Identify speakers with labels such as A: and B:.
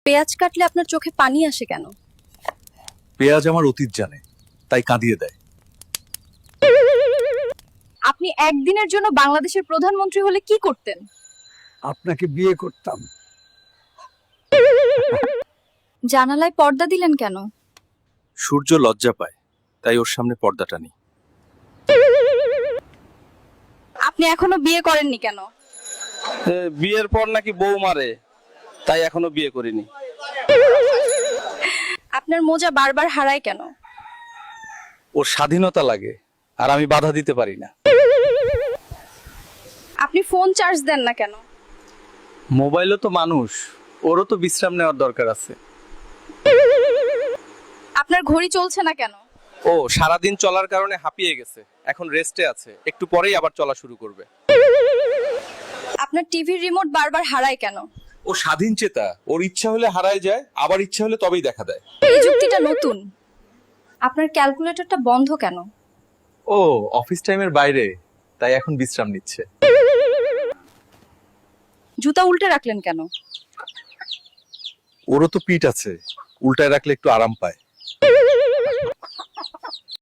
A: পেঁয়াজ কাটলে আপনার চোখে পানি আসে কেন?
B: পেঁয়াজ আমার অতীত জানে, তাই কাঁদিয়ে দেয়।
A: আপনি একদিনের জন্য বাংলাদেশের প্রধানমন্ত্রী হলে কি করতেন?
C: আপনাকে বিয়ে করতাম।
A: জানালায় পর্দা দিলেন কেন?
B: সূর্য লজ্জা পায়, তাই ওর সামনে পর্দা টানি।
A: আপনি এখনো বিয়ে করেননি কেন?
D: বিয়ের পর নাকি বউ মারে, তাই এখনো বিয়ে করিনি।
A: আপনার মোজা বারবার হারায় কেন?
D: ওর স্বাধীনতা লাগে, আর আমি বাধা দিতে পারি না।
A: আপনি ফোন চার্জ দেন না কেন?
D: মোবাইলও তো মানুষ, ওরও তো বিশ্রাম নেওয়ার দরকার আছে।
A: আপনার ঘড়ি চলছে না কেন?
D: ও সারাদিন চলার কারণে হাঁপিয়ে গেছে, এখন রেস্টে আছে, একটু পরেই আবার চলা শুরু করবে।
A: আপনার টিভির রিমোট বারবার হারায় কেন?
B: ও স্বাধীন চেতা, ওর ইচ্ছা হলে হারায় যায়, আবার ইচ্ছা হলে তবেই দেখা দেয়।
A: এই যুক্তিটা নতুন। আপনার ক্যালকুলেটরটা বন্ধ কেন?
B: ও অফিস টাইমের বাইরে, তাই এখন বিশ্রাম নিচ্ছে।
A: জুতা উল্টে রাখলেন কেন?
B: ওরও তো পিঠ আছে, উল্টায় রাখলে একটু আরাম পায়।